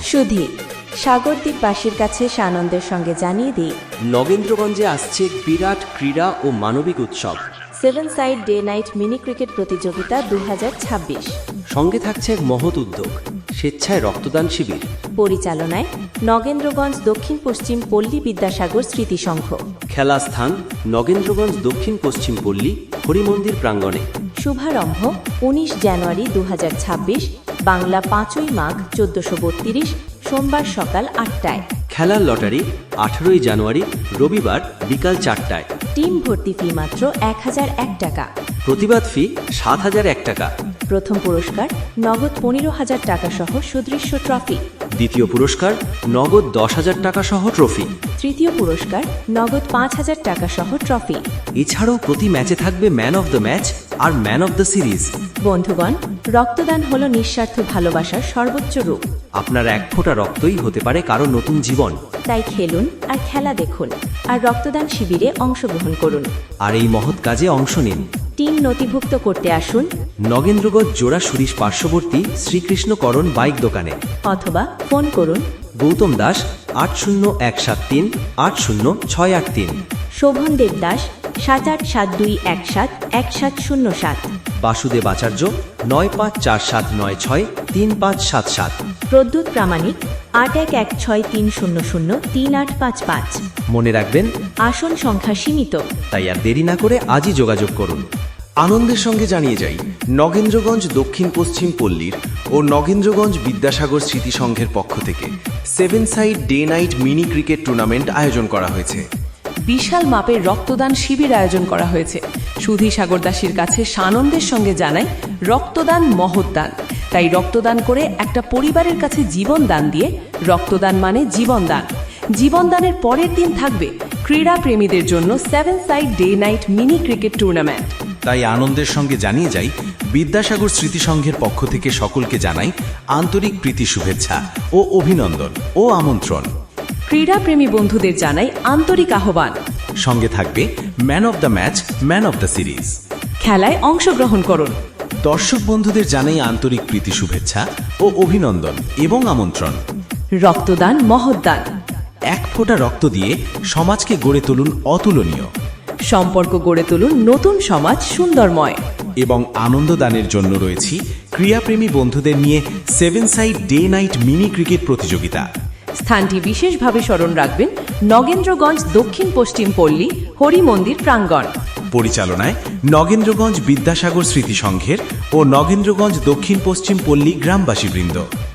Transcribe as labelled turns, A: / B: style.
A: সুধী সাগরদ্বীপবাসীর কাছে সানন্দের সঙ্গে জানিয়ে দিই,
B: নগেন্দ্রগঞ্জে আসছে এক বিরাট ক্রীড়া ও মানবিক উৎসব।
A: 7 side day night mini cricket প্রতিযোগিতা 2026।
B: সঙ্গে থাকছে এক মহৎ উদ্যোগ, স্বেচ্ছায় রক্তদান শিবির।
A: পরিচালনায় নগেন্দ্রগঞ্জ দক্ষিণ পশ্চিম পল্লী বিদ্যাসাগর স্মৃতি সংঘ।
B: খেলা স্থান নগেন্দ্রগঞ্জ দক্ষিণ পশ্চিম পল্লী হরিমন্দির প্রাঙ্গণে।
A: শুভারম্ভ 19 জানুয়ারি 2026, বাংলা 5ই মাঘ 1432, সোমবার সকাল 8টায়।
B: খেলার লটারি 18 জানুয়ারি রবিবার বিকাল 4টায়।
A: টিম ভর্তি ফি মাত্র 1001 টাকা।
B: প্রতিবাদ ফি 7001 টাকা।
A: প্রথম পুরস্কার নগদ 15,000 টাকা সহ সুদৃশ্য ট্রফি।
B: দ্বিতীয় পুরস্কার নগদ 10,000 টাকা সহ ট্রফি।
A: তৃতীয় পুরস্কার নগদ 5,000 টাকা সহ ট্রফি।
B: এছাড়াও প্রতি ম্যাচে থাকবে ম্যান অফ দ্য ম্যাচ আর ম্যান অফ দ্য সিরিজ।
A: বন্ধুগণ, রক্তদান হলো নিঃস্বার্থ ভালোবাসার সর্বোচ্চ রূপ।
B: আপনার এক ফোঁটা রক্তই হতে পারে কারো নতুন জীবন।
A: তাই খেলুন আর খেলা দেখুন আর রক্তদান শিবিরে অংশগ্রহণ করুন।
B: আর এই মহৎ কাজে অংশ নিন।
A: টিম নথিভুক্ত করতে আসুন
B: নগেন্দ্রগঞ্জ জোড়া সুরিশ পার্শ্ববর্তী শ্রীকৃষ্ণকরণ বাইক দোকানে,
A: অথবা ফোন করুন
B: গৌতম দাস 80173 80683,
A: শোভন দেবদাস 7872171707,
B: বাসুদেব আচার্য 9547963577।
A: প্রদ্যুৎ প্রামাণিক 811630033855।
B: মনে রাখবেন,
A: আসন সংখ্যা সীমিত,
B: তাই আর দেরি না করে আজই যোগাযোগ করুন।
C: আনন্দের সঙ্গে জানিয়ে যাই, নগেন্দ্রগঞ্জ দক্ষিণ পশ্চিম পল্লীর ও নগেন্দ্রগঞ্জ বিদ্যাসাগর স্মৃতি সংঘের পক্ষ থেকে 7 side day night mini cricket tournament আয়োজন করা হয়েছে।
D: বিশাল মাপের রক্তদান শিবির আয়োজন করা হয়েছে। সুধী সাগরদাসীর কাছে সানন্দের সঙ্গে জানাই, রক্তদান মহৎ দান। তাই রক্তদান করে একটা পরিবারের কাছে জীবন দান দিয়ে রক্তদান মানে জীবন দান। জীবন দানের পরের দিন থাকবে ক্রীড়া প্রেমীদের জন্য 7 side day night mini cricket tournament.
C: তাই আনন্দের সঙ্গে জানিয়ে যাই, বিদ্যাসাগর স্মৃতি সংঘের পক্ষ থেকে সকলকে জানাই আন্তরিক প্রীতি শুভেচ্ছা ও অভিনন্দন ও আমন্ত্রণ।
D: ক্রীড়াপ্রেমী বন্ধুদের জানাই আন্তরিক আহ্বান।
C: সঙ্গে থাকবে man of the match, man of the series.
D: খেলায় অংশগ্রহণ করুন।
C: দর্শক বন্ধুদের জানাই আন্তরিক প্রীতি শুভেচ্ছা ও অভিনন্দন এবং আমন্ত্রণ।
D: রক্তদান মহৎ দান।
C: এক ফোঁটা রক্ত দিয়ে সমাজকে গড়ে তুলুন অতুলনীয়,
D: সম্পর্ক গড়ে তুলুন নতুন সমাজ সুন্দরময়।
C: এবং আনন্দদানের জন্য রয়েছি ক্রীড়াপ্রেমী বন্ধুদের নিয়ে 7 side day night mini cricket প্রতিযোগিতা।
D: স্থানটি বিশেষভাবে স্মরণ রাখবেন, নগেন্দ্রগঞ্জ দক্ষিণ পশ্চিম পল্লী হরিমন্দির প্রাঙ্গণ।
C: পরিচালনায় নগেন্দ্রগঞ্জ বিদ্যাসাগর স্মৃতি সংঘের ও নগেন্দ্রগঞ্জ দক্ষিণ পশ্চিম পল্লী গ্রামবাসীবৃন্দ।